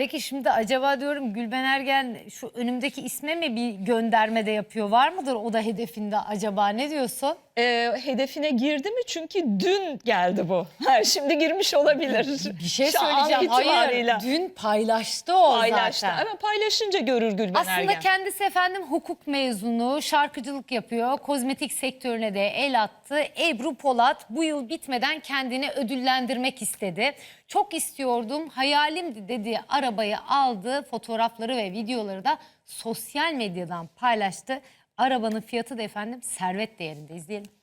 Peki şimdi acaba diyorum Gülben Ergen şu önümdeki isme mi bir gönderme de yapıyor? Var mıdır o da hedefinde acaba, ne diyorsun? Hedefine girdi mi? Çünkü dün geldi bu. Şimdi girmiş olabilir. Bir şey Şu an söyleyeceğim. Hayır, itibarıyla. dün paylaştı o Paylaştı. zaten. Ama paylaşınca görür Gülben Aslında Ergen. kendisi efendim hukuk mezunu, şarkıcılık yapıyor. Kozmetik sektörüne de el attı. Ebru Polat bu yıl bitmeden kendini ödüllendirmek istedi. Çok istiyordum, hayalimdi dediği arabayı aldı. Fotoğrafları ve videoları da sosyal medyadan paylaştı. Arabanın fiyatı da efendim servet değerinde. İzleyelim.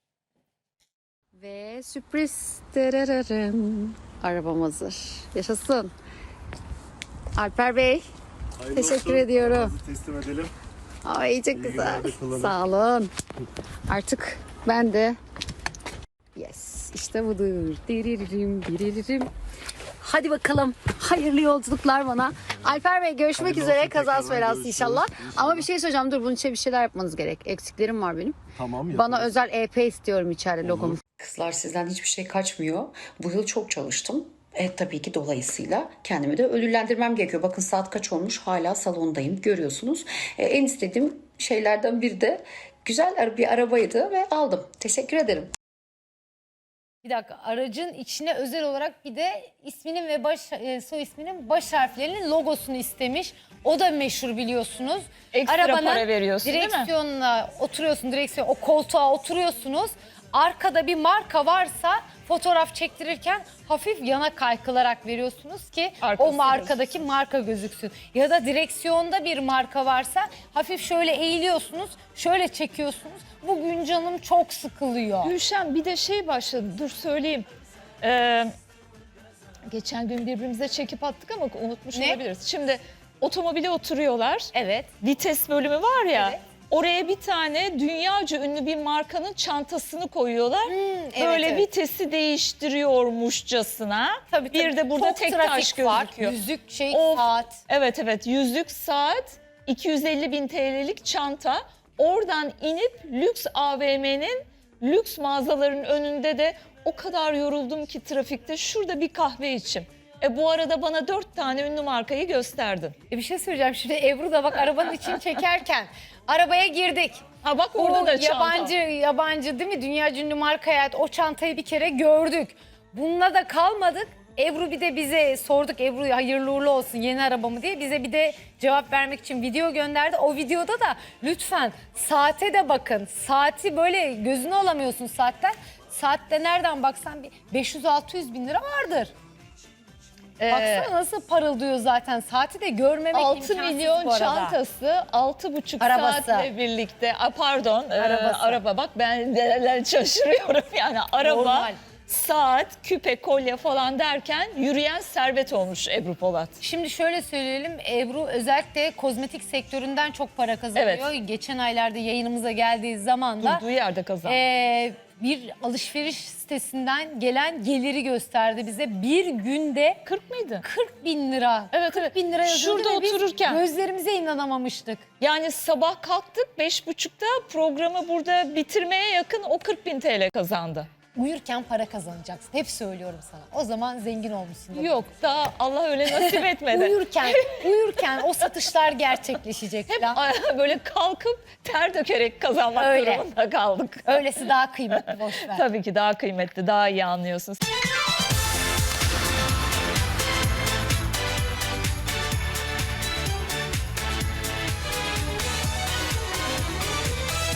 Ve sürpriz tererem. Arabam hazır. Yaşasın. Alper Bey, Hayırlı teşekkür olsun. ediyorum. Arabanızı teslim edelim. Ay çok güzel. günler de kullanın. Sağ olun. Artık ben de yes, işte budur. Diriririm, diriririm. Hadi bakalım. Hayırlı yolculuklar bana. Alper Bey görüşmek Hayırlı üzere. olsun, Kazası tekrardan belası görüşürüz. inşallah. İnşallah. Ama bir şey söyleyeceğim. Dur, bunun için bir şeyler yapmanız gerek. Eksiklerim var benim. Tamam, Bana yaparız. özel EP istiyorum içeride logomu. Kızlar, sizden hiçbir şey kaçmıyor. Bu yıl çok çalıştım. Tabii ki dolayısıyla kendimi de ödüllendirmem gerekiyor. Bakın saat kaç olmuş, hala salondayım, görüyorsunuz. En istediğim şeylerden biri de güzel bir arabaydı ve aldım. Teşekkür ederim. Bir dakika, aracın içine özel olarak bir de isminin ve soy isminin baş harflerinin logosunu istemiş. O da meşhur biliyorsunuz. Ekstra para veriyorsun, değil mi? direksiyonuna oturuyorsun, o koltuğa oturuyorsunuz. Arkada bir marka varsa fotoğraf çektirirken hafif yana kaykılarak veriyorsunuz ki Arkası o markadaki marka gözüksün. Ya da direksiyonda bir marka varsa hafif şöyle eğiliyorsunuz, şöyle çekiyorsunuz. Bugün canım çok sıkılıyor. Gülşen, bir de şey başladı. Dur söyleyeyim. Geçen gün birbirimize çekip attık ama unutmuş Ne? olabiliriz. Şimdi otomobile oturuyorlar. Evet. Vites bölümü var ya. Evet. Oraya bir tane dünyaca ünlü bir markanın çantasını koyuyorlar. evet, Böyle evet. vitesi değiştiriyormuşçasına. Tabii, Bir de burada çok tek trafik taş var. gözüküyor. Yüzük Of. saat. Evet, yüzlük saat, 250.000 TL'lik çanta. Oradan inip lüks AVM'nin lüks mağazaların önünde de o kadar yoruldum ki trafikte, şurada bir kahve içim. Bu arada bana 4 tane ünlü markayı gösterdin. Bir şey söyleyeceğim. Şimdi Ebru da bak arabanın içini çekerken arabaya girdik. Ha bak, orada O da çanta. yabancı değil mi? Dünya ünlü markaya ait o çantayı bir kere gördük. Bununla da kalmadık. Ebru bir de bize sorduk, Ebru hayırlı uğurlu olsun yeni arabamı diye. Bize bir de cevap vermek için video gönderdi. O videoda da lütfen saate de bakın. Saati böyle gözünü alamıyorsun saatten. Saatte nereden baksan bir 500-600 bin lira vardır. Baksana nasıl parıldıyor zaten. Saati de görmemek 6 imkansız milyon bu arada. çantası 6,5 Arabası. saatle birlikte. Pardon, Arabası. araba, bak ben neler şaşırıyorum yani. Araba, Normal. saat, küpe, kolye falan derken yürüyen servet olmuş Ebru Polat. Şimdi şöyle söyleyelim, Ebru özellikle kozmetik sektöründen çok para kazanıyor. Geçen aylarda yayınımıza geldiği zaman da Durduğu yerde kazandı. bir alışveriş sitesinden gelen geliri gösterdi bize. Bir günde 40 mıydı? 40 bin lira. Evet, 40 evet. bin lira yazıyordu Şurada ve biz otururken. gözlerimize inanamamıştık. Yani sabah kalktık 5.30'da, programı burada bitirmeye yakın o 40.000 TL kazandı. Uyurken para kazanacaksın. Hep söylüyorum sana. O zaman zengin olmuşsun. Yok, daha Allah öyle nasip etmedi. uyurken o satışlar gerçekleşecek Hep falan. böyle kalkıp ter dökerek kazanmak Öyle. durumunda kaldık. Öylesi daha kıymetli, boş ver. Tabii ki daha kıymetli, daha iyi anlıyorsun.